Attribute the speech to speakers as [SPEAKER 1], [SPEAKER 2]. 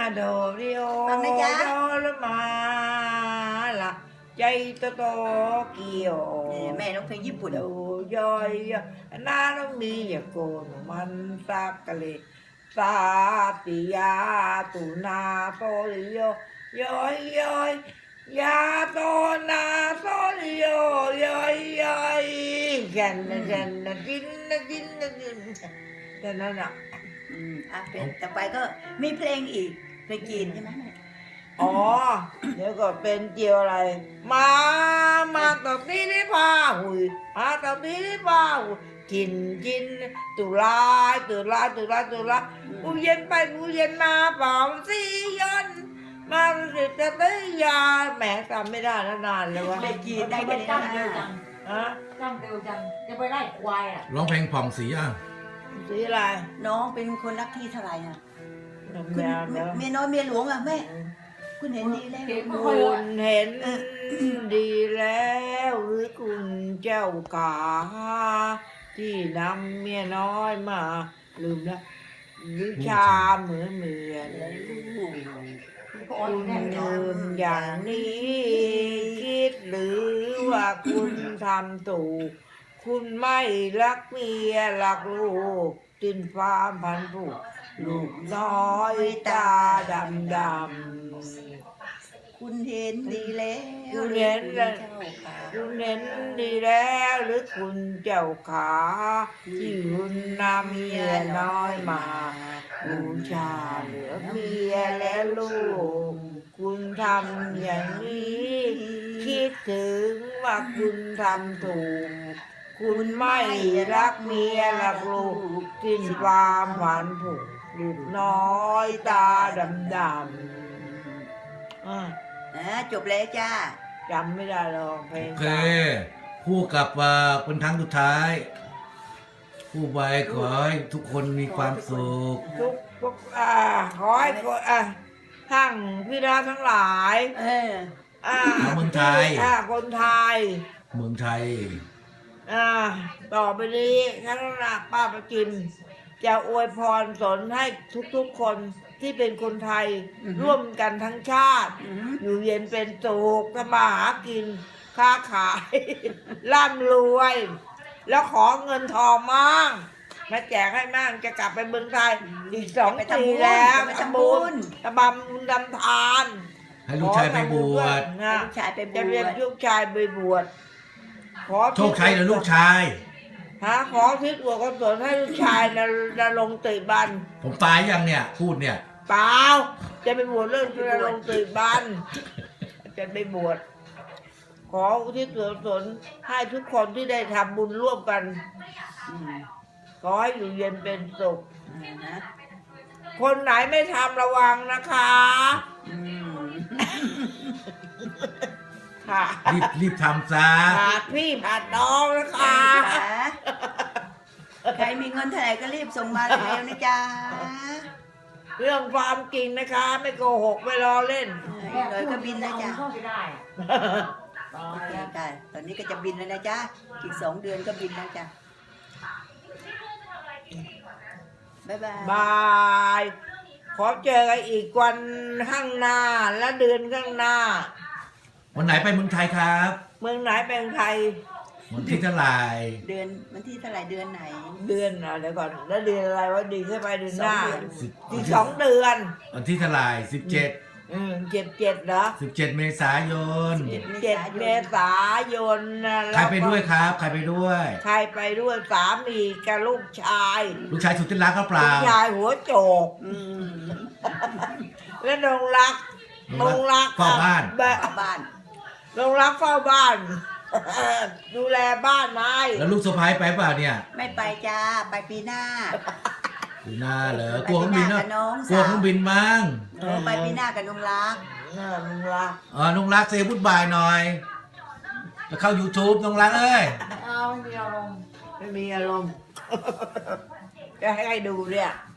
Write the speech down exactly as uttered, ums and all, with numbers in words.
[SPEAKER 1] โดริโอ
[SPEAKER 2] ฟังนะจ๊ะ
[SPEAKER 1] โดละมาละใจโตโตเกียว
[SPEAKER 2] เนี่ยแม่ร้องเพลงญี่ปุ่น
[SPEAKER 1] ดูย่อยนาต้องมีอย่าโกนมันสักกะเลสาติยาตุนาโซริโยย่อยย่อยยาโตนาโซริโยย่อยย่อยกันนะกันนะกินนะกินนะกินแต่นั่นอ่ะ
[SPEAKER 2] อืมอ่ะเป็นต่อไปก็มีเพลงอีกเพลงจีนใช่ไหมแม่
[SPEAKER 1] อ๋อ เดี๋ยวก็เป็นเจียวอะไร มา มาตบนี้ได้ป่าหุยมาตบนี้ได้ป่าหุยกินกินตุลาตุลาตุลาตุลากูเย็นไปกูเย็นมาเปล่าสิยันมาสิจะได้ยาแหมจำไม่ได้แล้วนานเลยวะ
[SPEAKER 2] เพลงจีนได้แค่นี้
[SPEAKER 3] จ้ำเร็ว
[SPEAKER 2] นะ
[SPEAKER 3] จัง
[SPEAKER 1] ฮะ
[SPEAKER 3] จ้ำเร็วจังจะไปไล่ควายอ่ะ
[SPEAKER 4] ร้องเพลงผ่องสีอ่ะ
[SPEAKER 1] สีอะไร
[SPEAKER 2] น้องเป็นคนรักที่เท่าไหร่อ่ะ
[SPEAKER 1] แม
[SPEAKER 2] คุณ
[SPEAKER 1] วเดี๋ยว
[SPEAKER 2] เมียน้อยเมียหลวงอ่ะแม่คุณเห็นดีแล้ว
[SPEAKER 3] เก่ง
[SPEAKER 1] คุ
[SPEAKER 3] ไม่ค่อย
[SPEAKER 1] ณเห็นดีแล้วหรือคุณเจ้าขาที่นำเมียน้อยมา ลืมแล้ววิชาเหมือนเหมือน
[SPEAKER 2] ลูก
[SPEAKER 1] คุณลืมอย่างนี้ คิดหรือว่าคุณทำถูกคุณไม่รักเมียรักลูกตินฟ้าพันผูกลูกน้อยตาดำดำ
[SPEAKER 2] คุณเห็นดีแล้ว
[SPEAKER 1] คุณเห็น
[SPEAKER 2] แล้
[SPEAKER 1] แล้ว
[SPEAKER 2] วเจ้าค่ะ
[SPEAKER 1] คุณเห็นดีแล้วหรือคุณเจ้าขาที่คุณนำเมียน้อยมาบูชาเหลือเมียและลูก คุณทำอย่างนี้ คิดถึงว่าคุณทำถูก คุณไม่รักเมียรักลูกสิ้นความผันผูกลูกน้อยตาดำดำอ่ะ
[SPEAKER 2] อ่ะจบแล้วจ้า
[SPEAKER 1] จำไม่ได้หรอกเพล
[SPEAKER 4] โอง เค
[SPEAKER 1] เก่า
[SPEAKER 4] พูดกับว่าเป็นครั้งสุดท้ายพูดไว้ขอให้ทุกคนมีความสุข
[SPEAKER 1] ทุกทุกอ่าขอให้คนอ่ะทั้งพี่น้องทั้งหลาย
[SPEAKER 2] เออ
[SPEAKER 1] อ่า
[SPEAKER 4] เอาเมืองไทย
[SPEAKER 1] อ่าคนไทย
[SPEAKER 4] เมืองไทย
[SPEAKER 1] อ่าต่อไปนี้ทั้งหนักป้าประจิมจะอวยพรสนให้ทุกๆคนที่เป็นคนไทย
[SPEAKER 2] อือฮึ
[SPEAKER 1] ร่วมกันทั้งชาติ
[SPEAKER 2] อืม
[SPEAKER 1] อยู่เย็นเป็นสุขทำมาหากิน ค้าขาย ร่ำรวย แล้วขอเงินทองมั่งมาแจกให้มั่งจะกลับไปเมืองไทยอีกสอง
[SPEAKER 2] ไป
[SPEAKER 1] ปี
[SPEAKER 2] ทำบุญ
[SPEAKER 1] แล้ว
[SPEAKER 2] ไปทำบุญ
[SPEAKER 1] ทำบำบุญทำทาน
[SPEAKER 4] ให้ลูกชายไปบวช
[SPEAKER 1] นะ
[SPEAKER 2] ลูกชายไปบ
[SPEAKER 1] จะ
[SPEAKER 2] ว
[SPEAKER 1] เรียก
[SPEAKER 2] ช
[SPEAKER 1] ลูกชายไปบวชขอ
[SPEAKER 4] โชคชัยหรือลูกชาย
[SPEAKER 1] ฮะขอทิศหัวกสนให้ลูกชายนะนะลงค์ติบัน
[SPEAKER 4] ผมตายยังเนี่ย พูดเนี่ย
[SPEAKER 1] เปล่าจะไปบวชเรื่องจะลงค์ติบันจะไปบวชขออุทิศส่วนกุศลให้ทุกคนที่ได้ทำบุญร่วมกัน
[SPEAKER 2] อืม
[SPEAKER 1] ขอให้อยู่เย็นเป็นสุข
[SPEAKER 2] อ่าฮะ
[SPEAKER 1] คนไหนไม่ทำระวังนะคะ
[SPEAKER 2] อืม
[SPEAKER 1] ค่ะ
[SPEAKER 4] รีบรีบทำซะ
[SPEAKER 1] ขาดพี่ขาดน้องนะคะ
[SPEAKER 2] ใครมีเงินเท่าไหร่ก็รีบส่งมาเร็วๆนะจ๊ะ
[SPEAKER 1] เรื่องความจริงนะคะ ไม่โกหกไม่ล้อเล่น
[SPEAKER 2] เออเลยก็บินนะจ๊ะ
[SPEAKER 3] เข้าไปได้อะตาย
[SPEAKER 2] ใช่
[SPEAKER 3] แล้ว
[SPEAKER 2] ใช่ตอนนี้ก็จะบินแล้วนะจ๊ะ อีกสองเดือนก็บินแล้วจ้ะ บ๊ายบาย
[SPEAKER 1] บาย ขอเจอกันอีกวันข้างหน้าและเดือนข้างหน้า
[SPEAKER 4] วันไหนไปเมืองไทยครับ
[SPEAKER 1] เมืองไหนเป็นไทย
[SPEAKER 4] วันที่เท่าไหร่
[SPEAKER 2] เดือนวันที่เท่าไหร่เดือนไหน
[SPEAKER 1] เดือนอ่ะเดี๋ยวก่อนแล้วเดือนอะไรวะดีขึ้นไปเดือนหน้า
[SPEAKER 2] สองเดือน
[SPEAKER 4] สิบ
[SPEAKER 1] อีกสองเดือน
[SPEAKER 4] วันที่เท่าไหร่สิบเจ็ด
[SPEAKER 1] อืมเจ็ดเจ็ดเหรอ
[SPEAKER 4] สิบเจ็ดเมษายน
[SPEAKER 1] เจ็ดเมษายนนะ
[SPEAKER 4] ใครไปด้วยครับ ใครไปด้วย
[SPEAKER 1] ใครไปด้วยสามีกับลูกชาย
[SPEAKER 4] ลูกชายสุดที่รักก็เป
[SPEAKER 1] ลู
[SPEAKER 4] ล่าก
[SPEAKER 1] ชายหัวโจก
[SPEAKER 2] อืม
[SPEAKER 1] และนงรักนงรัก
[SPEAKER 4] เฝ้าบ้าน
[SPEAKER 1] แบบ
[SPEAKER 2] เข้าบ้าน
[SPEAKER 1] นงรักเฝ้าบ้าน ดูแลบ้านไม้
[SPEAKER 4] แล้วลูกสะพ้ายไปเปล่าเนี่ย
[SPEAKER 2] ไม่ไปจ้า ไปปีหน้า
[SPEAKER 4] ดูหน้าเหรอกลัวเครื่องบินเนาะ
[SPEAKER 2] ไปปีหน้ากับน้อง
[SPEAKER 4] กลัว
[SPEAKER 2] สาว
[SPEAKER 4] เครื่องบินมั้ง
[SPEAKER 2] เออไปปีหน้ากับน้องรัก
[SPEAKER 1] เออน้องรัก
[SPEAKER 4] อ๋อน้องรักเซบุดบายหน่อยแล้วเข้า YouTube น้องรักเอ้ย
[SPEAKER 3] เอาไม่มีอารมณ์
[SPEAKER 1] ไม่มีอารมณ์ จะให้ใครดูเนี่ย
[SPEAKER 2] อ